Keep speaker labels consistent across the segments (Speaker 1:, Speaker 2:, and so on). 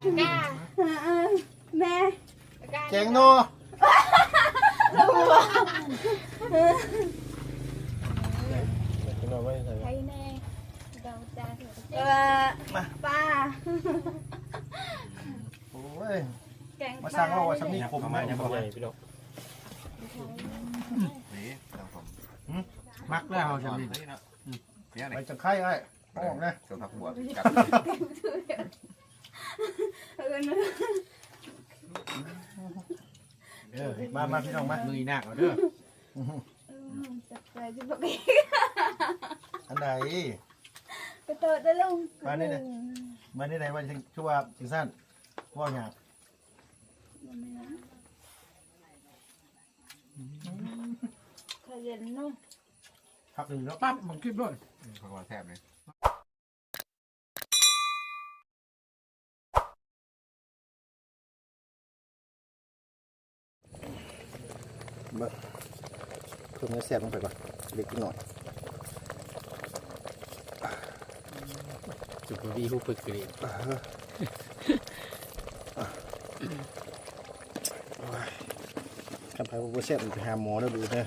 Speaker 1: กาแม่
Speaker 2: แกงโน
Speaker 1: ใครแน่เดาจ้าป้า
Speaker 2: โอ้ย
Speaker 1: แกง
Speaker 2: มาสั่งเราว่าสำนีผม
Speaker 3: มา
Speaker 2: มา
Speaker 3: อย่า
Speaker 2: อย่าง
Speaker 3: บอก
Speaker 2: ไร
Speaker 3: พี่ดอก
Speaker 4: นี่ครับผม
Speaker 2: มักแล้วสำนี
Speaker 4: เนี่ย
Speaker 2: ไปจังไข่ไอ้ออกนะ
Speaker 4: ส่วนผักบัวกัด
Speaker 2: มาพี่น้องมา
Speaker 3: มือหนักเอาเด้อ
Speaker 1: จับใจจะบอกเอง
Speaker 2: อันไหน
Speaker 1: ไปเติร์ดได้ลุง
Speaker 2: มานี่ไหนว่าชั่วจิงสั้นว่าอย่าง
Speaker 1: ขยันเนาะ
Speaker 2: พักหนึ่งแล้ว
Speaker 3: ปั๊บมันคลิปด้วย
Speaker 4: ผักบัวแทบเลย
Speaker 2: เพิ่มเนื้อแซ่บลงไปก่อนเล็กหน่อย
Speaker 3: จุดวีหูปึกกรี
Speaker 2: กันไปว่าแซ่บไปหาหมอแล้วดูนะ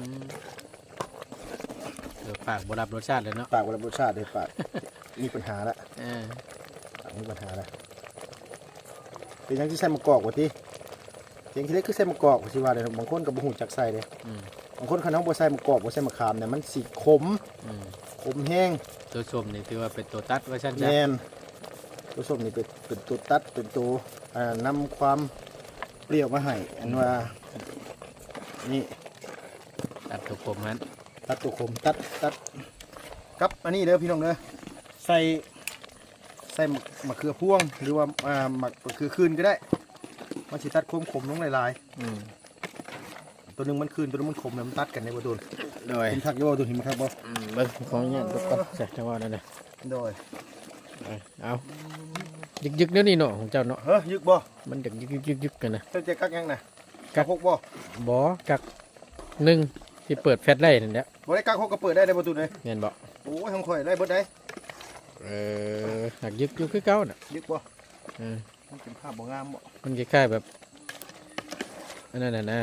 Speaker 3: เดี๋ยวปากบรับรสชาติเลยเนาะ
Speaker 2: ปากวันรสชาติเลยปากมีปัญหาละ ปากมีปัญหาละเป็นยังที่ใส่มะกอกวะที่เสียงที่เล็กคือใส่มะกอกสิว่าเลยบางคนกับบะหูจักใส่เลยบางคนเขาน้องบัวใส่มะกอกบัวใส่มะขามเนี่ยมันสีขมแห้ง
Speaker 3: ตัวชมนี่ถือว่าเป็นตัวตัดว่าชั้น
Speaker 2: แน่นตัวส้มนี่เป็นตัวตัดเป็นตัวนำความเปรี้ยวมาให้อันว่านี่
Speaker 3: ตัดตัวผมนั้น
Speaker 2: ตัดตัวขมตัดกับอันนี้เด้อพี่น้องเด้อใส่มะเขือพวงหรือว่ามะเขือคืนก็ได้มันสิตัดความขมลงหลายๆตัวหนึงมันคืนตัวหนึงมันขมเนี่ยมันตัดกันในบ่โดน
Speaker 3: โดย
Speaker 2: เห็นทักโยตัวเห็นไหมครับบ่
Speaker 3: เบิ้งของเนี่ยทุกคนใส่จังหวะนั่นเลย
Speaker 2: โดย
Speaker 3: เอายึกๆเดี๋ยวนี้เนาะของเจ้าเนาะ
Speaker 2: เฮ้ยยึกบ่
Speaker 3: มันจะยึกกันนะ
Speaker 2: เจ้าจะกักยังน่ะกักหกบ่
Speaker 3: บ่กักหนึ่งที่เปิดแฟลชไลท์นั่นแหละ
Speaker 2: บ่ได้กักหกก็เปิดได้ในประตูเลย
Speaker 3: เห็นบ่
Speaker 2: โอ้ยของข่อยได้เบิดได้
Speaker 3: หักยึกอยู่คือเก่าน่ะ
Speaker 2: ยึกบ่มันเป็นภาพบ่งามบ่
Speaker 3: มันคล้ายๆแบบอันนั้นน่ะนะ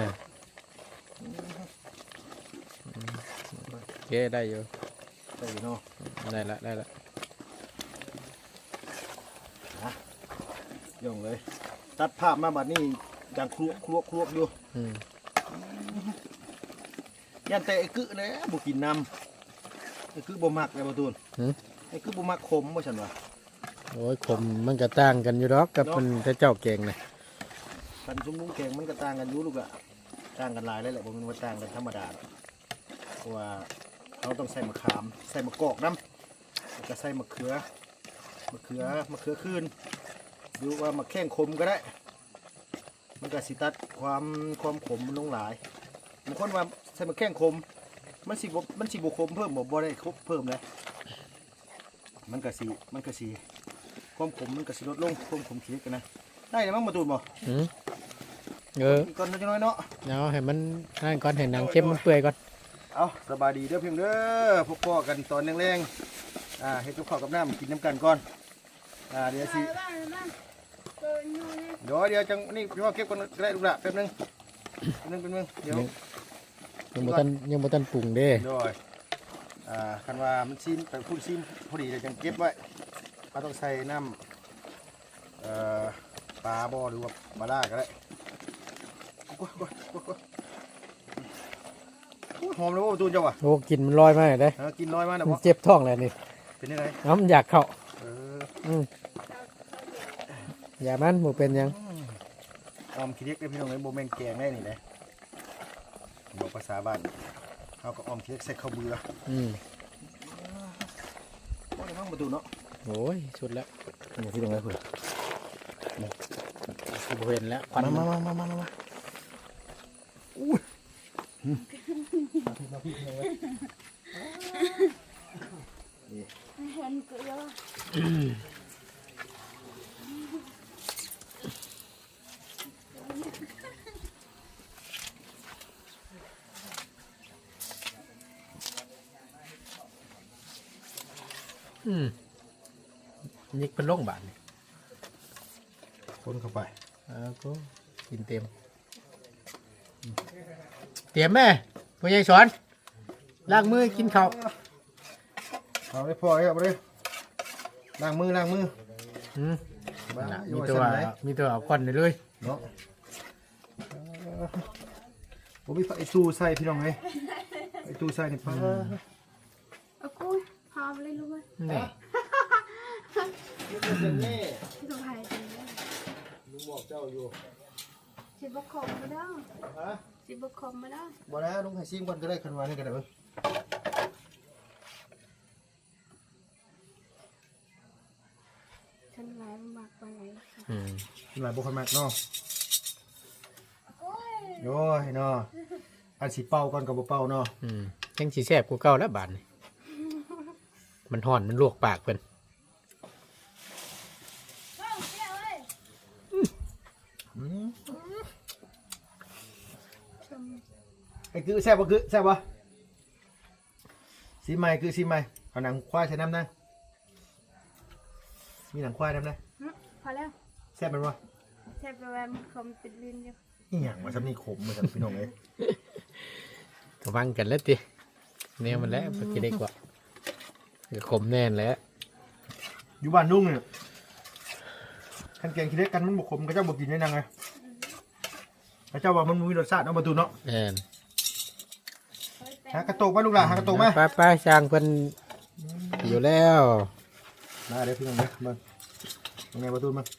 Speaker 3: โอเคได้อยู่
Speaker 2: ได้อยู่เนาะ
Speaker 3: ได้ละ
Speaker 2: ย่องเลย ตัดภาพมาบัดนี้ดังครัวอยู่ยันแต่ไอ้กึเลยบ่กินน้ำไอ้กึบ่มักเลยประตูไอ้กึบ่มักขมบ่ฉันว่า
Speaker 3: โอ้ยขมมันก็ต่างกันอยู่ดอกกับมันแต่เจ้าเก่งนะ
Speaker 2: กันชุ่มมุ้งแข็งมันก็ต่างกันอยู่ลูกอะต่างกันหลายเลยแหละบ่แมันว่าต่างกันธรรมดาเพราะว่าเราต้องใส่มะขามใส่มะกอกน้ำแล้วก็ใส่มะเขือคืนหรือว่ามะแข้งคมก็ได้ มันก็สิตัดความขมมันลงหลายบางคนว่าใส่มะแข้งคมมันสิบ่ขมเพิ่มบ่ได้ครบเพิ่มเลยมันก็สิความขมมันก็สิลดลงความขมขี้กันนะได้แล้วมั้งมาตูนบ่
Speaker 3: อีก
Speaker 2: ก่อนน้อยเนาะ
Speaker 3: เอาให้มันนั่นก่อนให้หนังเข้มมันเปื่อยก่อน
Speaker 2: เอาสบายดีเด้อเพียงเด้อพวกพ่อกันตอนแรงๆเฮ็ดกับข้าวกับน้ำกินน้ำกันก่อนเดี๋ยวสิเดี๋ยวจังนี่พี่ว่าเก็บก่อนก็ได้ลูกละแป๊บนึงเดี๋ยว
Speaker 3: ยังบ่ทันปรุงเด้
Speaker 2: โดยคันว่ามันซีมแต่พูดซีมพอดีเลยจังเก็บไว้เราต้องใส่น้ำปลาบ่อหรือว่าปลาล่าก็ได้หอมเลยว่าประตูเจ้าอ่ะ
Speaker 3: โอ้กินมันลอยมาเด้
Speaker 2: กินน้อยมากนะ
Speaker 3: มัน
Speaker 2: พ่อ
Speaker 3: เจ็บท้องแล้วนี่
Speaker 2: เป็นยังไง
Speaker 3: น้ำอยากเข้า
Speaker 2: อ
Speaker 3: อย่ามันบ่เป็นหยัง
Speaker 2: ออมขี้เล็กได้พี่น้องเลยโบแมนแกงได้นี่เลยบอกภาษาบ้านเขาก็ออมขี้เล็กใส่ข้าวเบื่อว่าได้บ้างประตูเนาะ
Speaker 3: โอ้ยสุดแล้ว
Speaker 2: นี่พี่น้องเลยเพื่อน
Speaker 3: บ่เห็นแล้วควัน
Speaker 2: มาอุ้ยมาพี่น้องเลย
Speaker 1: เห็นกูแล้ว
Speaker 3: ยิกเป็นโรคบาดนี่
Speaker 2: คนเข้าไป
Speaker 3: ก็กินเต็มเตรียมแม่พ่อใหญ่สอนล้างมือกินข้าว
Speaker 2: เอาได้พอครับเลยล้างมือ
Speaker 3: อืม
Speaker 2: บ้า
Speaker 3: มีตัวเอาก้อนไปเลย
Speaker 2: เนาะผมมีไอตู้ใส่พี่น้องไงไอตู้ใส่นี่ป้า
Speaker 1: เอากูพอเลยรู้ไหม
Speaker 3: นี่
Speaker 1: สบายดี
Speaker 2: ลุงบอกเจ้าอยู่
Speaker 1: สิบคมมาได้
Speaker 2: ฮะ
Speaker 1: สิบคมมาได้
Speaker 2: บ่แล้วลุงให้ซิมก่อนก็ได้คันวานี่ก็ได้เบิ่ง
Speaker 1: ฉันหลายมากไปไหน
Speaker 3: อืม
Speaker 2: หลายบ่คนมากเนาะ
Speaker 1: โอ้ย
Speaker 2: โอ้ยเนาะอันสิเป่าก่อนกับบ่เป่าเนาะ
Speaker 3: ยังสีแซ่บกูเก่าแล้วบาดนี่มันห่อนมันลวกปากเพิ่น
Speaker 1: ว้าวเจ้าเอ้ย
Speaker 2: อืม
Speaker 1: ชม
Speaker 2: ไอ้คือแซ่บบ่คือแซ่บบ่ซีใหม่คือซีใหม่เอาหนังควายใส่น้ำนะมีหนังควายน้ำนะ
Speaker 1: พอแล้ว
Speaker 2: แซ่บมันบ่
Speaker 1: แทบจะแบบคมติดลิ้นอยู่
Speaker 2: อีหยังว่าซำนี่ขมเหมือนกันพี่น้องเอ้ย
Speaker 3: ก็ฟังกันแล้วติแนวมันแล้วปกินได้กว่าก็ขมแน่นแล้ว
Speaker 2: อยู่บ้านลุงเนี่ยคันแกงขี้เล็กกันมันบ่ขมก็เจ้าบ่กินได้นางไงแล้วเจ้าว่ามันบ่มีรสชาติเนาะประตูเนาะ
Speaker 3: แน่น
Speaker 2: หากระโตกมาลูกหลานหากระโตกมา
Speaker 3: ไปช่างเพิ่นอยู่แล้ว
Speaker 2: มาเดี๋ยวพี่น้องเด้อมาตรงไหนประตูมา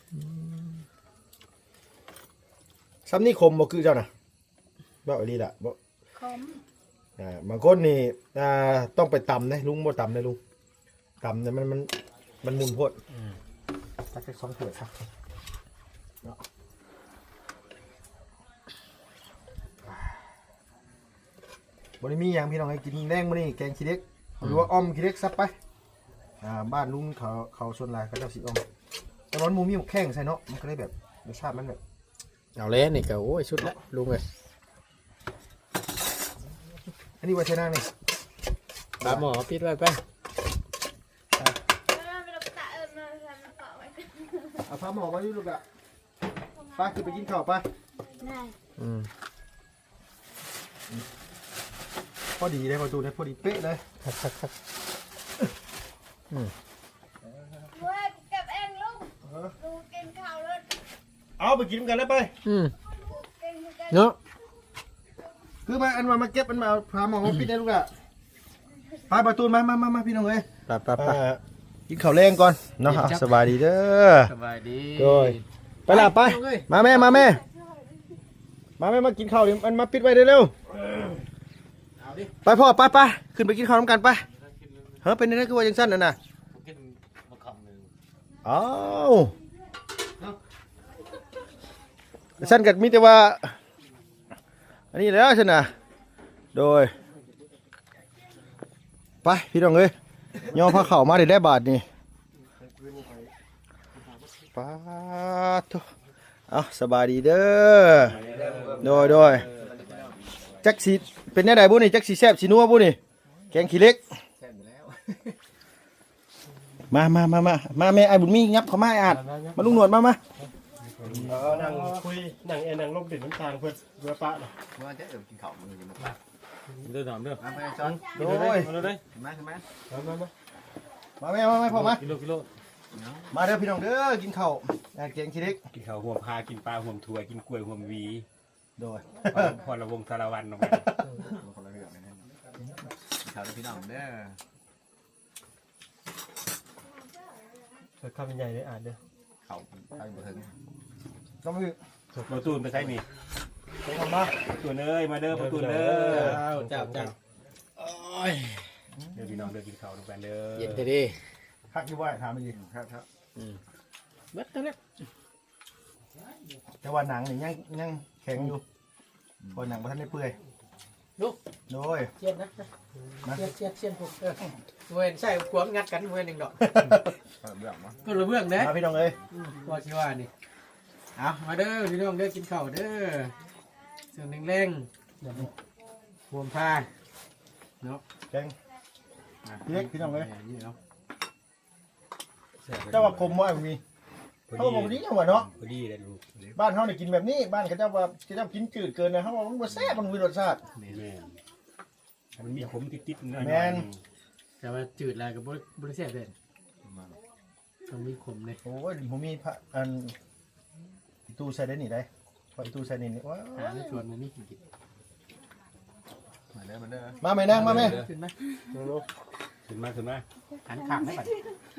Speaker 2: ซ้ำนี่ขมบ่คือเจ้าน่ะบ่อีหลีล่ะบ่
Speaker 1: คม
Speaker 2: บางคนนี่ต้องไปตำนะลุงบ่ตำนะลุงตำเนี่ยมันมุนโพดตักแค่2ถ้วยครับเนาะบ่ได้มีหยังพี่น้องให้กินแรงมื้อนี้แกงขี้เล็กหรือว่าอ้อมขี้เล็กซับไปบ้านลุงเขาส่วนหลายเขาเจ้าสิอ้อมแต่ร้อนหมูมีหมกแข้งใส่เนาะมันก็เลยแบบรสชาติมันแบบ
Speaker 3: เอาแล้วนี่ก็โอ้ยชุดละลุงเลย
Speaker 2: อันนี้ไว้ใช้นั่งนี่
Speaker 3: ปลาหมอปิดไว้ไป
Speaker 1: ไม่ต้องตะมาทำต่อไว้
Speaker 2: เอาผ้าหมอมาอยู่ลูกอะป้าคือไปกินข้าวป้า
Speaker 1: ได้
Speaker 3: อืม
Speaker 2: พอดีเลยประตูเนี่ยพอดีเป๊ะเลย
Speaker 3: คัก
Speaker 1: เว้ยเก็บเองลุงลุงกินข้าวเลย
Speaker 2: เอาไปกินกันแล้วไป
Speaker 3: อืม
Speaker 1: กินกัน
Speaker 3: เนาะ
Speaker 2: คือมาอันมาเก็บอันมาพาหมอมาปิดได้ลูกอะไปประตูมาพี่น้องเอ้ย
Speaker 3: ไป
Speaker 2: กินข้าวแรงก่อนเนาะสบายดีเด้อ
Speaker 3: สบายดี
Speaker 2: โดยไปละไปมาแม่มากินข้าวดิมันมาปิดไว้เร็วไปพ่อไปขึ้นไปกินข้าวน้ำกันไปเฮ้ยเป็นยังไงคือว่ายังสั้นน่ะนะอ้าวสั้นกัดมีแต่ว่าอันนี้แล้วสินะโดยไปพี่น้องเอ้ยย่อผ้าเข่ามาได้บาทนี่ป้าทุเอาสบายดีเด้อโดยจักสีเป็นแน่ใดบุนี่จักสีแซ่บสีนัวบุนี่แกงขี้เล็กมาแม่ไอ้บุญมีงับเขามาไอ้อาดมาลุงหนวดมา
Speaker 5: นั่งคุยนั่งนั่งลบดินน้ำตาลเพื่อเพื่อปะเนาะ
Speaker 4: ว่าจะกินข้าวมันกินมา
Speaker 5: เดินถามเด้อ
Speaker 4: ไปช้อน
Speaker 2: โดย
Speaker 5: มาเลย
Speaker 4: มาใช่ไหม
Speaker 2: มาแม่พ่อมา
Speaker 5: กิโล
Speaker 2: มาเด้อพี่น้องเด้อกินข้าวแกงขี้เล็ก
Speaker 5: กินข้าวห่วงพากินปลาห่วงถั่วกินกล้วยห่วงวี
Speaker 2: โดย
Speaker 5: พอระวงสารวันออกมา
Speaker 4: คนละเรื่องเลยนะข้าวพี่น้องเด้อ
Speaker 5: เกิดข้าวเป็นใหญ่เลยอ่านเด้อ
Speaker 4: ข้าวข้าวบ่ถึง
Speaker 2: ก็ไม่
Speaker 5: ประตูนไปใช้นี่
Speaker 2: มา
Speaker 5: ประตูเอ้ยมาเด้อประตูเด้อ
Speaker 3: เจ้าโอ้ย
Speaker 5: เดี๋ยวพี่น้องเด้อกินข้าวด้วยกันเด้อ
Speaker 3: เย็นดี
Speaker 2: พักอยู่ว่าถามไปดิ
Speaker 4: ครับ
Speaker 3: เบิดแล้ว
Speaker 2: แต่ว่าหนังนี่ยังแข็งอยู่พอหนังมันทันได้เปื่อย
Speaker 3: ลูก
Speaker 2: โดย
Speaker 3: เชียนนะเชียนพวกเวนใช่ขวมงัดกันเวนหนึ่งดอก
Speaker 4: ข้าวเบื่อมั้ง
Speaker 3: ก็ระเบื้องเด้
Speaker 2: มาพี่น้องเอ้ย
Speaker 3: ว่าชิว่านี่เอามาเด้อพี่น้องเด้อกินข้าวเด้อเสียงแรงๆห่วงผ้าเนาะ
Speaker 2: แกงเล็กพี่น้องเอ้ย
Speaker 3: นี่เนาะ
Speaker 2: เจ้าว่าคมว่ามี
Speaker 5: ผ
Speaker 2: เขาบอกนี้หัวเนาะ
Speaker 4: พอดีเลยลูก
Speaker 2: บ้านเขาเนี่ยกินแบบนี้บ้านเขาเจ้าว่าเขาเจ้ากินจืดเกินนะเขาบอกมันบ่แซ่บมันมีรสชาติ
Speaker 4: แม่มันมีขมติดๆหน่อย
Speaker 2: แม่น
Speaker 3: แต่ว่าจืดอะไรกับบริเซียเป็นต้องมีขมเลย
Speaker 2: โอ้ยผมมีพระอันตู้ใส่ได้นี่ได้พอตู้ใส่นี่ว้า
Speaker 3: หาในชวนมันนี่กิน
Speaker 4: มาเด้อมาเด้อ
Speaker 2: มาไหมนั่งมาไหม
Speaker 3: ขึ้นไหม
Speaker 4: ขึ้นมาขึ้นมา
Speaker 3: หันข้างได้ป่ะ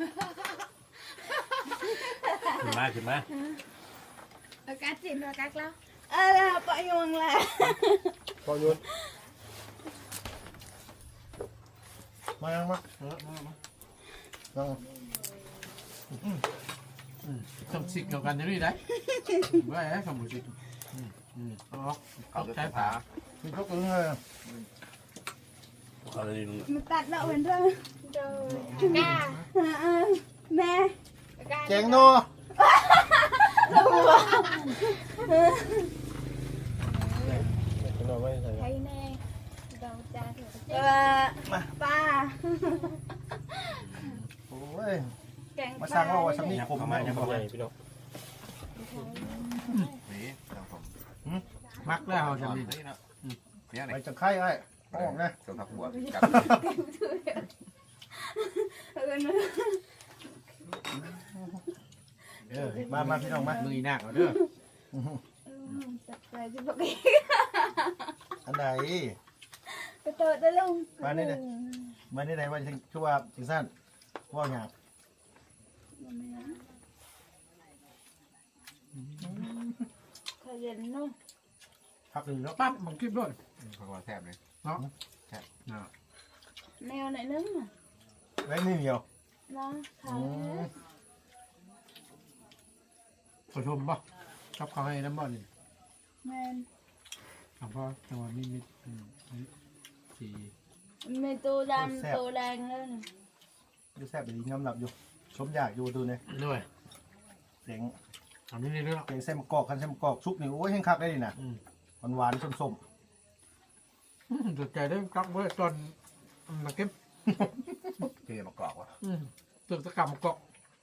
Speaker 4: ขึ้นมาขึ้นมา
Speaker 1: อากาศจินอากาศแล้วปะยงแหละ
Speaker 5: พอโยน
Speaker 2: มานั่งมานั่ง
Speaker 3: ต้องสิกเกี่ยวกันจะนี่ได้ไม่ได้คำบุสิอ๋อ
Speaker 4: เขาจะพา
Speaker 2: คือเขากึ่งเลย
Speaker 4: เขาเลย
Speaker 1: มันตัดเราเป็นเรื่องกาแม่
Speaker 2: แกงโน
Speaker 5: นอนไม่ใส่
Speaker 1: ใครแน่เราจะเถอะป้า
Speaker 2: โอ้ย
Speaker 1: แกง
Speaker 2: มาสร้างว่าสำนี
Speaker 4: ยับ
Speaker 2: ผม
Speaker 4: เข้ามายับเข้ามา
Speaker 5: พี่น้อง
Speaker 4: นี่เราผม
Speaker 3: มักแล้วเขาจะมี
Speaker 4: เนี่ยไหน
Speaker 2: ไปจังไข่ไอ้ออกนะ
Speaker 4: ส่วนผักบัวจับ
Speaker 2: มาพี่น้องมา
Speaker 3: มือหนักเอาเด้อ
Speaker 1: จับไปจะบอก
Speaker 2: อันใด
Speaker 1: ไปเติร์ดได้ลุง
Speaker 2: มานี่ไหนว่าจังชั่วจังสั้นว่าหยาบ
Speaker 1: เคยเห็นนู่น
Speaker 2: พักหนึ่งแล้ว
Speaker 3: ปั๊บมันขึ้นด้วย
Speaker 4: ผักบัวแซ่บเลย
Speaker 1: แนวไหนนึงอ่ะ
Speaker 2: ไว้นี่เดียว
Speaker 1: นะค่ะ
Speaker 3: ผู้ชมป่ะชอบเขาให้น้ำบ่อนี่
Speaker 1: แมน
Speaker 3: หลวงพ่อจังหวะนี้มีสี่
Speaker 1: มีตัวดำตัวแดงเลย
Speaker 2: ดูแซ่บดีงำหลับอยู่ชมอยากอยู่ดูเนี่ย
Speaker 3: ด้วย
Speaker 2: เสียง
Speaker 3: ทำนี่นี่ด้วย
Speaker 2: เสียงเส้นมะกอกคันเส้นมะกอกชุบนี่โอ้ยแห้งคักได้ดินะหวานๆส้ม
Speaker 3: สนใจได้กับเมื่อตอนมาเก็บ
Speaker 4: เกลือมากรอกวะ
Speaker 3: ตึกตะกับมากอก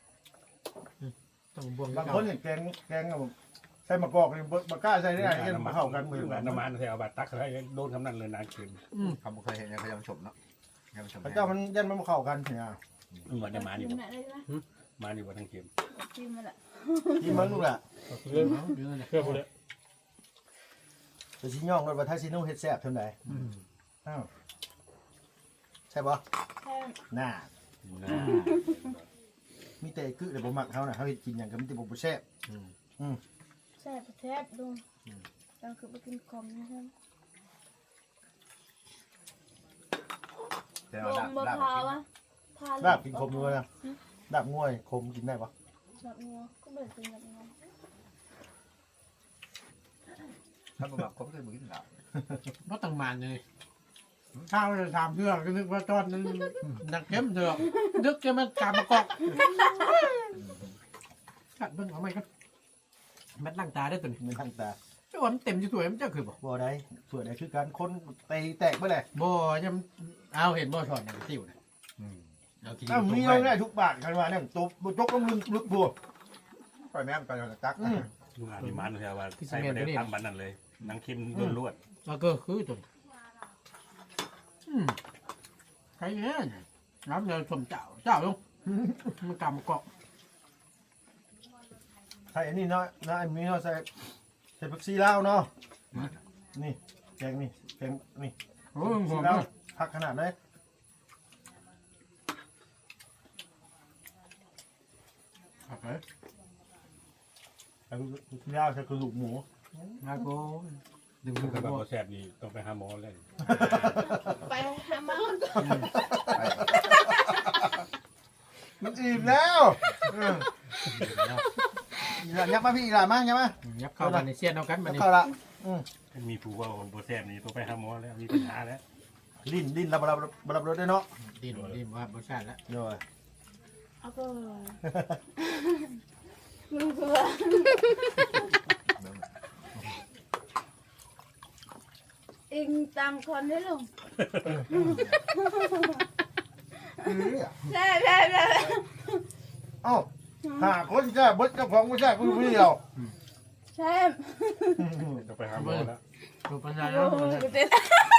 Speaker 3: ต้องบวง
Speaker 2: ๆบางคนเนี่ยแกงใส่มะกอกนี่บ่กล้าใส่ได้ไงมันเข้ากันมือ
Speaker 4: น้ำมันใส่เอาบาดตักอะไรโดนคำนั้นเลยนานคืน
Speaker 6: เขาไม่เคยเห็นยังเขายังชมเนาะยังชม
Speaker 2: พระเจ้ามันยันมันเข้ากันเนี่ย
Speaker 4: เหมือนน้ำมันอยู่
Speaker 1: กินอะไรนะ
Speaker 4: มาอยู่บนทางเข็ม
Speaker 1: กินมาละ
Speaker 2: ที่มันลูกแหละ
Speaker 5: เรื่อง
Speaker 3: เยอะเลย
Speaker 5: เพื่อพวกนี้
Speaker 2: แต่ชิ้นย่องรถว่าถ้าชิ้นนุ่งเฮ็ดแซ่บเท่าไหร่อ้าวใช่ปะ
Speaker 1: แค่
Speaker 2: น่ามีแต่กึแต่บ่มักเขาน่ะเขาเฮ็ดกินอย่างก็มีแต่บ่แซ่บ
Speaker 1: แซ่บแทบดูเราคือไปกินคอมนะครับ
Speaker 6: แต่
Speaker 1: ล
Speaker 6: ว่า
Speaker 1: งมะพร้าวอะพา
Speaker 2: ลาบกินคมด้วยนะลาบง่วยคมกินได้ปะ
Speaker 1: แบบงัวก็เบิดเป็นแบบงัว
Speaker 6: ถ้าบ่แบบเขาไม่เคยมือกินหรอก
Speaker 3: เพราะต่างมันเลยข้าวจะทำเพื่อก็นึกว่าตอนนั้นนักเข้มเถอะนึกจะมันกามากอกขัดเบิ้งเอาไหมครับแมัดล่างตาได้ตัวนี้
Speaker 2: มันทั้งตา
Speaker 3: เจ้ามันเต็มอยู่ตัวมันเจ้าคือบอก
Speaker 2: บ่ได้ส่วนไหนคือการคนตีแตกเมื่อไหร่
Speaker 3: บ่ยังเอาเห็นบ่ถอดหนังติ้วนะเอากิน
Speaker 2: อ้าวมีเราได้ทุกบาทกันมาเนี่ยตัวบจกต้องลึกบัว
Speaker 6: ปล่อยแม่มไปตัก
Speaker 4: ลุงอาดิมันใช่ว่าใส่ไปได้ทั้งบันนั่นเลยนางเข็มลวด
Speaker 3: แล้วก็คือตัวใครเนี่ยน้ำเดือดสมเจ้าลงมันกามากอก
Speaker 2: ใส่อันนี้เนาะนะอันนี้เนาะใส่ผักชีลาวเนาะนี่แกงนี่แกงนี่
Speaker 3: โอ้ยห
Speaker 2: ชี
Speaker 3: อม
Speaker 2: ลาว
Speaker 3: เลย
Speaker 2: ผักขนาดไหน
Speaker 3: ผักเลย
Speaker 2: ผักชีลาวใส่กระดูกหมู
Speaker 3: นาโก้ดึง
Speaker 4: ๆ
Speaker 3: มือ
Speaker 4: ถ้า
Speaker 3: กับ
Speaker 4: แบบ
Speaker 3: บ่
Speaker 4: แซ่บนี่ต้องไปหาหมอเลย
Speaker 1: ไปหาหมา
Speaker 2: มันอิ่มแล้วยับมาพี่อีหลามายับมา
Speaker 3: ยับเข้ามาในเสี้ยนเอากันมา
Speaker 2: ยับ
Speaker 3: นี่
Speaker 2: เข้าละ
Speaker 4: มีผู้ว่าบ่แซ่บนี่ต้องไปหาหมอแล้วมีปัญหาแล้ว
Speaker 2: ลิ้นรับรสได้เนาะ
Speaker 3: ดินว่าบ่ชาติแล้ว
Speaker 2: โดย
Speaker 1: เอาก็มึงคืออิงตามคนได้ลุงใช่
Speaker 2: เอ้าหาคนแซ่บเบิดเจ้าของไม่แซ่บกูอยู่คนเดียว
Speaker 1: แซ่บ
Speaker 5: จะไปหาหมอแล้ว
Speaker 3: ดูปัญญา
Speaker 1: โอ้
Speaker 3: แล้ว
Speaker 1: โหเด็ด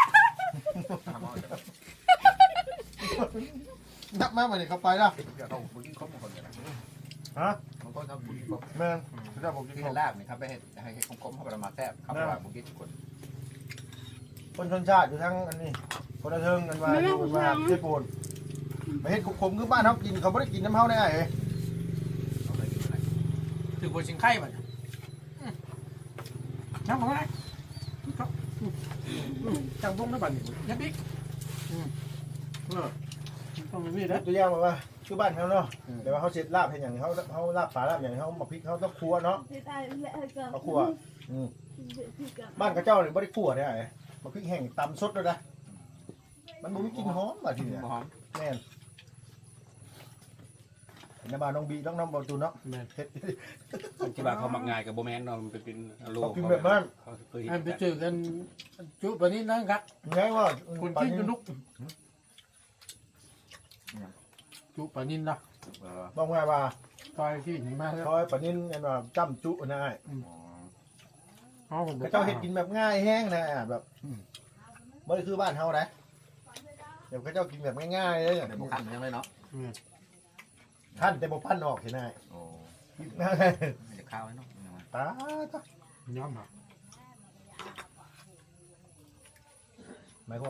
Speaker 2: นับมาวันนี้เขาไปแล้ว
Speaker 6: เดี๋ยวเขาบุกินครบบางคนกันนะ
Speaker 2: ฮะ
Speaker 6: บางคนเขาบุกินครบ
Speaker 2: แม่นเจ้าผมกิน
Speaker 6: ที่
Speaker 2: ข
Speaker 6: เห็
Speaker 2: อง
Speaker 6: นลาบนี่ครับไปเห็นให้คมๆเข้าไปมาแซ่บเข้าไปว่าบุกินทุกคน
Speaker 2: คนชนชาติอยู่ทั้งอันนี้คนละเทิงกันมาอยู่กันมาเจ็ดปูนไปเฮ็ดขมๆคือบ้านเขากินเขาไม่ได้กินน้ำเฮาได้ไง
Speaker 6: เขาเคยกินอะไร
Speaker 3: ถือบัวชิงไข่บ่น้ำของอะไรจังบุ้งได้บ่นี่ยัดดิต้องมีนะ
Speaker 2: ตัวอย่างว่าคือบ้านเขาเนาะแต่ว่าเขาเช็ดลาบให้อย่างเขาลาบปลาลาบอย่างเขามาพริกเขาต้องครัวเนาะ
Speaker 1: เด็ดได้แหละเกิน
Speaker 2: เขาครัว
Speaker 1: เด็ดที่เกิน
Speaker 2: บ้านกระเจ้าเนี่ยไม่ได้คั่วได้ไงมาพริกแห้งตำสดเลยนะมันบ่มีกลิ่นหอมมาทีเนี่ย
Speaker 6: หอม
Speaker 2: แม่นในบ้านน้องบีน้องบอลตูนเนาะเฮ็ด
Speaker 4: ที่ว่าเขามักง่ายกับโบแมนเนาะมันเป็นโล
Speaker 2: เขากินแบบนั้น
Speaker 4: เขาเคย
Speaker 3: อันไปเจอกันจุปนี้นะครับ
Speaker 2: ไงว่า
Speaker 3: คนที่จะลุกจุปนินนะ
Speaker 2: บอกไงว่า
Speaker 3: ตอยที่หนีมาแล้ว
Speaker 2: คอยปะนินเห็นว่าจ้ำจุนะไอ้
Speaker 3: เขาผม
Speaker 2: กระเจ้าเฮ็ดกินแบบง่ายแห้งนะแบบไม่ได้คือบ้านเฮานะเดี๋ยวกระเจ้ากินแบบง่ายๆเลย
Speaker 6: เดี๋ยวบุคันยังเลยเนาะ
Speaker 2: ท่านแต่บ่ปั้นออกเห็นไหม
Speaker 6: โอ้
Speaker 2: ง่าย
Speaker 6: เดี๋ยวข้าวให้เนาะ
Speaker 2: ตา
Speaker 3: ย้อมครับ
Speaker 2: หมายความ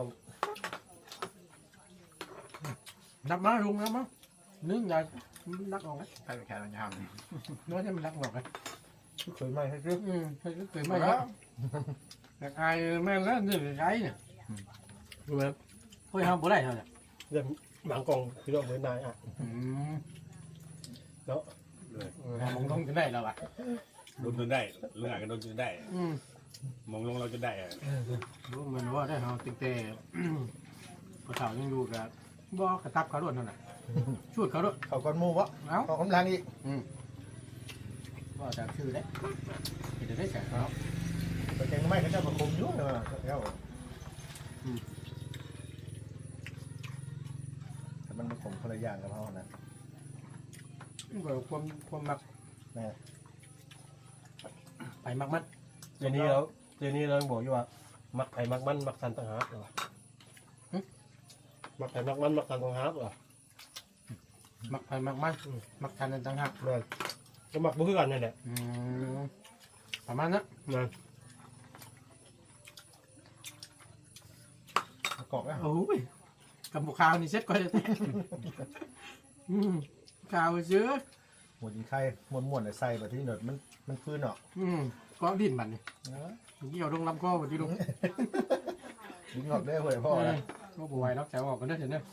Speaker 3: นับมาลุงนับมานึ่งใหญ่นักออกไหม
Speaker 6: ใครไปแค่เรายาวนี่
Speaker 3: น้อยจะมันนักออกไหม
Speaker 2: เคยไหมให้ซื้อ
Speaker 3: ให้ก็เคยไม่ครับแต่ไอ้แม่แล้วนี่ไอ้เนี่ยดูแบบเฮ้ยทำบ่ได้เท่าไหร่
Speaker 5: เดี๋ยวหมังกองพี่น้องเหมือนนายอ่ะ
Speaker 3: มองต้องจะได้แล้วอ่ะ
Speaker 4: โดนจนได้เรื่องกันโดนจนได้มองลงเราจะได้อะ
Speaker 3: รู้เหมือนว่าได้เขาติดแต่กระเถายังอยู่กับบ่กระตับเขาด้วยเท่านั้นชุดเขาด้วย
Speaker 2: เขาก้อนหมูวะ
Speaker 3: เอ้า
Speaker 2: เขากำลังอีก
Speaker 3: ว่าจากชื่อได้เดี๋ยวได้แข่งเขา
Speaker 2: แต่แกงไม่เขาจะมาคมยุ่งเลยว่ะแล้วแต่มันมาคมคนละอย่างกับเขานะ
Speaker 3: ความมักไปมักมัน
Speaker 5: เจนี่เราบอกอยู่ว่ามักไผ่มักมันมักสันต่างหากเหรอมักไผ่มักมันมักสันต่างหากเหรอ
Speaker 3: มักไปมักมันมักกันต่างหาก
Speaker 5: แม่นก็มักบ่คือกันนั่นแหละ
Speaker 3: ประมาณนั้น
Speaker 5: นะ
Speaker 2: เกาะนะ
Speaker 3: โอ้ยกับบุกข่าวนี่เซ็ตก่อนเลยข่าวเยอะ
Speaker 2: หมดยิงไข่ม้วนๆใส่แบบที่หนวดมันพื้นเนาะ
Speaker 3: ก็ดิ้นมันนี่เกี่ยวลงลำคอมาที่ลุง
Speaker 2: ยิงออกได้เลยพ่อนะ
Speaker 3: ก็ป่วยรับแถวออกกันได้เห็นไหม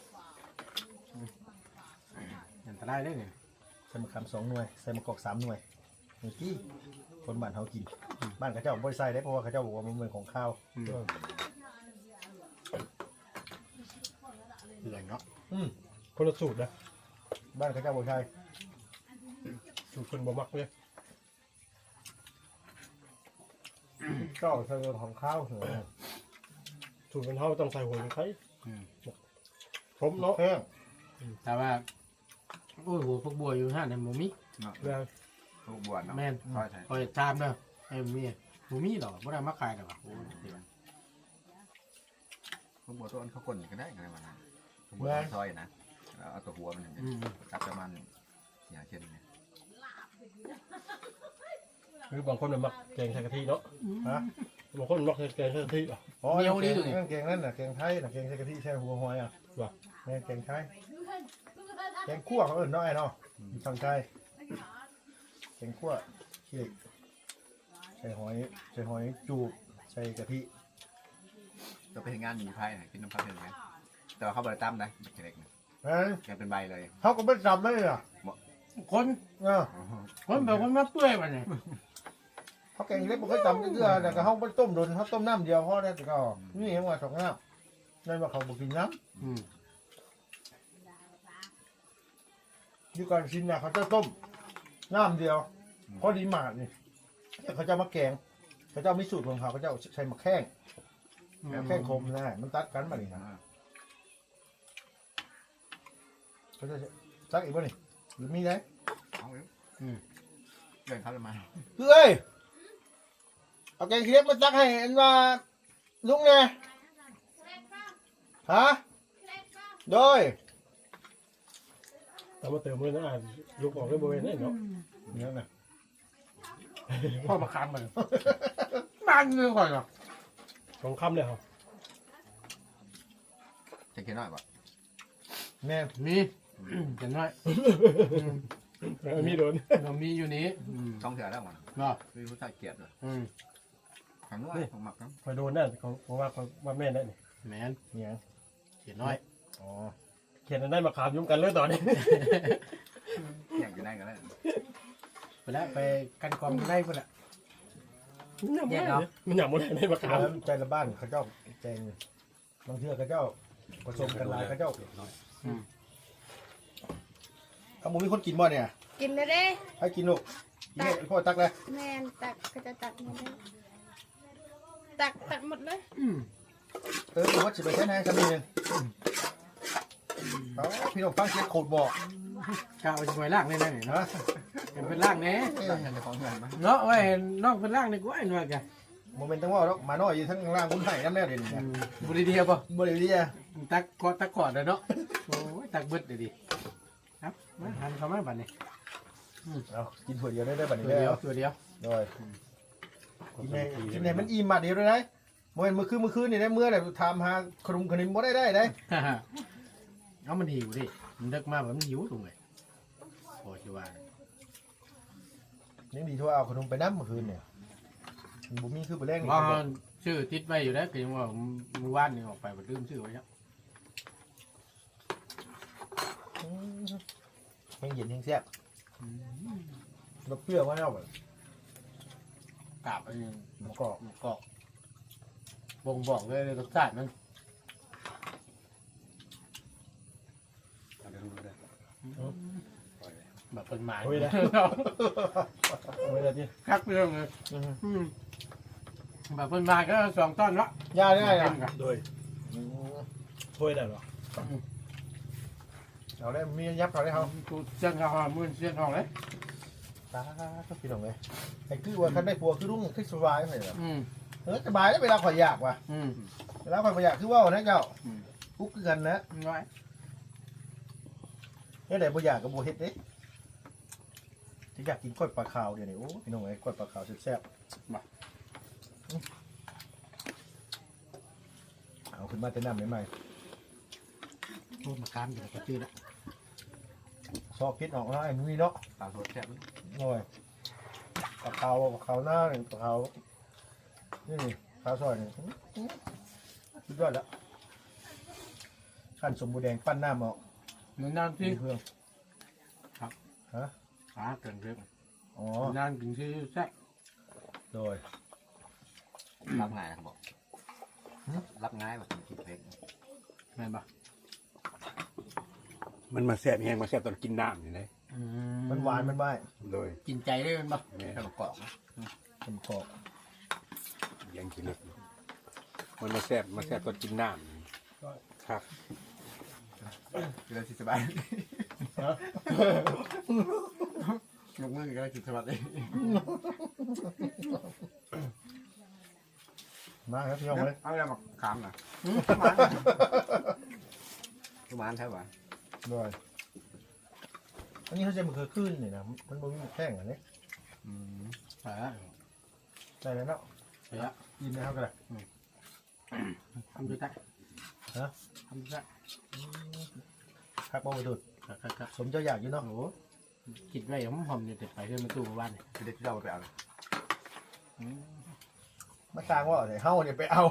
Speaker 3: อันตรายได้เนี่ย
Speaker 2: ใส่มะขาม2 หน่วยใส่มะกอก3 หน่วยนี่ที่คนบ้านเขากินบ้านเขาเจ้าบ่ได้ใส่ได้เพราะว่าเขาเจ้าบอกว่ามันเป็นของข้าว
Speaker 5: เหลืองเนาะคนละสูตรนะ
Speaker 2: บ้านเขาเจ้าบ่ใช่
Speaker 5: สูตรคนบ่มักเลยก็ใส่ของข้าวเหรอสูตรเป็นเท่าต้องใส่หัวไข่ผมเนาะ
Speaker 2: แห้ง
Speaker 3: แต่ว่าโอ้ยหัวพวกบัวอยู่ห้าในหมูมิ
Speaker 5: แม่น
Speaker 6: ลูกบวชเนาะ
Speaker 3: แม่น
Speaker 6: คอยใส่
Speaker 3: คอยตามเด้อไอ้เมียหมูมิหรอไม่ได้มาขายหรอก
Speaker 6: ลูกบวชตัวอันเขาคนก็ได้กันมาลูกบวชซอยนะเอาตัวหัวมันจับประมาณ4-5 เซนเนี่ย
Speaker 5: คือบางคนมันมักแกงใส่กะทิเนาะ
Speaker 2: ฮะ
Speaker 5: บางคนมักแกงใส่กะทิอ่ะ
Speaker 2: อ๋อแกงนั่นน่ะแกงไทยน่ะแกงใส่กะทิใส่หัวหอยอ่ะแม่แกงไทยแกงคั่วเขาเอิ้นน้อยเนาะอยู่ทางใต้แกงคั่วขี้เหล็กใส่หอยจูบใส่กะทิ
Speaker 6: ก็ไปงานมีไพ่กินน้ำพายเห็นไหมแต่ว่าเขาบริตั้มนะเด็ก
Speaker 2: นะ
Speaker 6: แกเป็นใบเลย
Speaker 2: เขาก็ไม่จำเลยอ่ะ
Speaker 3: คน
Speaker 2: Ờ,
Speaker 3: แบบคนมาเปื่อยมันเนี่ย
Speaker 2: เขาแกงเล็กมันก็จำเรื่อยๆแต่ก็เขาไม่ต้มโดนเขาต้มน้ำเดียวพอได้แต่ก็นี่เห็นว่า2 น้ำนั่นว่าเขาบอกกินน้ำอยู่ก่อนชินน่ะเขาจะต้มน้ำเดียวพอดีหมาดนี่เขาจะมาแกงเขาจะมีสูตรของเขาเขาจะใช้มะแข้งแข้งคมนะมันตัดกันมาดินะเขาจะซักอีกป่ะนี่หรือมีไหม
Speaker 6: เอาเดินเข้ามา
Speaker 2: คือเอ้ยเอาแกงเคียบมาตักให้อันว่าลุงไงฮะโดย
Speaker 5: แต่มาเติมเลยนะยกออกได้บริเวณนี้เนาะเนี่ยนะ
Speaker 3: พ่อมาค้ำมันบ้านเงื่อนก่อนหรอ
Speaker 5: สองคำเลยครับ
Speaker 6: จะกินน้อยป่ะ
Speaker 2: แม่
Speaker 3: มีเห็นไหม
Speaker 5: มีโดน
Speaker 3: เรามีอยู่นี้
Speaker 6: ต้องเถื่อแล้วมัน
Speaker 3: ก็
Speaker 6: มีผู้ชายเกลียดเลย
Speaker 3: อืม
Speaker 6: ขังน้อยของหมักครับ
Speaker 5: คอยโดนนั่นของว่าแม่ได้นี่
Speaker 3: แมน
Speaker 2: เนี่ย
Speaker 3: เขียนน้อย
Speaker 2: อ๋อ
Speaker 5: เขียนได้มาขามยุ่งกันเลยตอนนี้
Speaker 6: อยากกินได้กันแล้ว
Speaker 3: ไปแล้วไปกันกองได้พุ่นละ
Speaker 5: แยกเนาะมันอยากหมดได้มาขาม
Speaker 2: แล้วใจละบ้านเขาเจ้าแจงบางเทื่อเขาเจ้าผสมกันหลายเขาเจ้าเอาหมูมีคนกินบ่เนี่ย
Speaker 1: กินเลยเด้
Speaker 2: ให้กินลูกกินให้พ่อตักเลย
Speaker 1: แม่นตักก็จะตักหมดเลยตักหมดเลย
Speaker 2: วัดสิไปใช้แทนกันนิดนึงเอาพี่น้องฟังเสียงโคตรบอก
Speaker 3: กาวจะไปล่างได้ไหมเนาะ
Speaker 2: นะ
Speaker 3: เป็นล่างแน่
Speaker 6: ต่างกันจะของเงินไหม
Speaker 3: เนาะไว้นอกเป็นล่างในกูไอ้หน่อยกัน
Speaker 2: โมเมนต์ตั้งว่าแล้วมาน้อยอยู่ทั้งล่างคุณไห่น้ำแน่เด่นเนี่ย
Speaker 3: บุรีเดียวป่ะ
Speaker 2: บริเวณนี้
Speaker 3: ตักกอดเลยเนาะโอ้ยตักเบิดเลยดิครับมาหันเข้ามาบัดนี้
Speaker 2: เอากินถั่วเดียวได้บัดนี้
Speaker 3: ตัว
Speaker 2: แล้
Speaker 3: เดียว
Speaker 2: ว
Speaker 3: ตัวเดียว
Speaker 2: โดยกินไหนมันอิ่มมาเดียวเลยนะโมเมนต์เมื่อคืนนี่ได้เมื่อไหร่ทำหาขนมขนมบ่ได้ได้
Speaker 3: เอามันหิวดิมันเลิกมาแบบมันหิวตรงไหนโอ้ยว่า
Speaker 2: ยังดีทั่วเอาขนมไปน้ำเมื่อคืนเนี่ยบุมีคือไปแรง
Speaker 3: ว่าชื่อติดไว้อยู่แล้วก็ยังว่ามือว่านนี่ออกไปมันลืมชื่อไว้แล้ว
Speaker 2: แห้งเย็นแห้งแซ่บรสเปรี้ยวมากเอาแบบ
Speaker 3: กาบอันนี้
Speaker 2: มะกอก
Speaker 3: กอกบ่งบอกเลยรสชาติมัน
Speaker 4: เอาเดี๋ยวดูได้
Speaker 3: แบบเป็นหมาย
Speaker 2: โอ้ยนะโอ้ยนะที่
Speaker 3: คักเรื่องเลยแบบเป็นหมายก็2 ต้นละ
Speaker 2: ยาได้นะ
Speaker 5: โดยถ้วยได้หรอ
Speaker 2: เอาได้มียับเขาได้เขา
Speaker 3: กูเส้นข้าวมือเส้นทองเลย
Speaker 2: ตาก็พี่น้องเลยไอ้คือว่าคันได้ผัวคือรุ่งที่สบายเลย
Speaker 3: อืม
Speaker 2: สบายแล้วเวลาข่อยอยากว่ะ
Speaker 3: อืม
Speaker 2: เวลาข่อยอยากคือว่านะเจ้ากุ๊กคือกันนะ
Speaker 3: น้อย
Speaker 2: เนี่ยไหนบ่อยากกับบ่เฮ็ดเด้ที่อยากกินกล้วยปลาขาวเดี๋ยวนี้โอ้พี่น้องเอ้ยกล้วยปลาขาวแซ่บเอาขึ้นมาแต่น้ำใหม่
Speaker 3: โอ้มาค้ามอยู่กับชื่อละ
Speaker 2: ๆซอกพิษออกแล้วไอ้นี่เนาะ
Speaker 6: ตาสดแซ่บ
Speaker 2: โอ้ยปลาขาวหน้าหนึ่งปลาขาวนี่ขาวซอยนี่สุดยอดแล้วขั้นสมบูรณ์แดงปั้นน้ำออก
Speaker 3: เหมือนน้ำที่
Speaker 2: เพื่อง
Speaker 3: ขาเกินเรื่อง
Speaker 2: อ๋อ
Speaker 3: น้ำกินชื่อแซ่บ
Speaker 2: โดย
Speaker 6: รับง่ายนะครับบอกรับง่ายแบบกินเพลง
Speaker 3: แม่นปะ
Speaker 4: มันมาแซ่บแห้งมาแซ่บตอนกินน้ำนี่เลย
Speaker 2: มันหวานมันใบ
Speaker 4: โดย
Speaker 3: กินใจได้เป็นปะ
Speaker 4: แม่
Speaker 6: แค่ประกอบนะ
Speaker 2: มันกรอบ
Speaker 4: ยังกินเล็กอยู่มันมาแซ่บตอนกินน้ำครับ
Speaker 6: กินแล้วสบายยกมือก็กินสบายเลย
Speaker 2: มาครับพี่น้องเลย
Speaker 6: เอาอะไรมาขามนะทุกวันใช่ป่ะ
Speaker 2: โดยอันนี้เขาจะมันคือขึ้นนี่นะมันบ่มีแข้งอันนี้
Speaker 3: ใช่
Speaker 2: ได้แล้วเนาะ
Speaker 3: ใช่ละ
Speaker 2: กินนะครับกันเลย
Speaker 3: ทำด้วยกัน
Speaker 2: ฮะ
Speaker 3: ทำด้วยกัน
Speaker 2: ครับบ่ไปดูด
Speaker 3: ครับ
Speaker 2: สมเจ้าอยากอยู่เนาะ
Speaker 3: โอ้กินไว้หอมๆเนี่ยเด็ดไปเพื่อนมาตู้มาบ้านเนี่ย
Speaker 6: คือเด็กที่เราไปเอา
Speaker 2: มาสร้างว่าเดี๋ยวเฮาเนี่ยไปเอา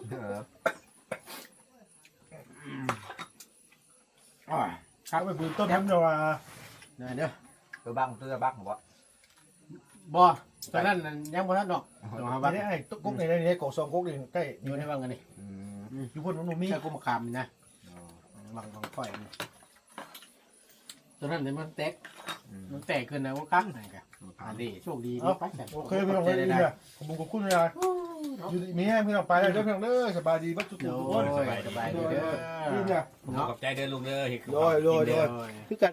Speaker 3: ครับ
Speaker 2: ไปปืนต้นทำเนาะว่า
Speaker 3: เนี่ยเด้อ
Speaker 6: ตัวบ้างตัวบ้างผมว่า
Speaker 3: บ่ตอนนั้นยังบ่ทันดอกต้องหาบ้าน
Speaker 2: นี่ไอ้ตุ๊กกุ๊กนี่กอกซองกุ๊กนี่ใกล้
Speaker 3: อยู่ในบ้านกันนี่
Speaker 2: อยู่พุ่นมันมี
Speaker 3: ใช่กูมาคามนะบางค่อยนี่ตอนนั้นเนี่ยมันแตกขึ้นนะว่ากั้งไหนกันอันนี้โชคดีนี่ไป
Speaker 2: โอเคพี่น้องเลยดีเนี่ยขอบคุณเลยอยู่มีให้พี่น้องไปเลยเด้อพี่น้องเด้อสบายดีบัดทุก
Speaker 3: โอ้
Speaker 2: คน
Speaker 3: ยสบายดีเด้อ
Speaker 2: นี่เนี่ย
Speaker 4: ขอบใจเดินลุงเด้อเห็ด
Speaker 2: โดยคือกัน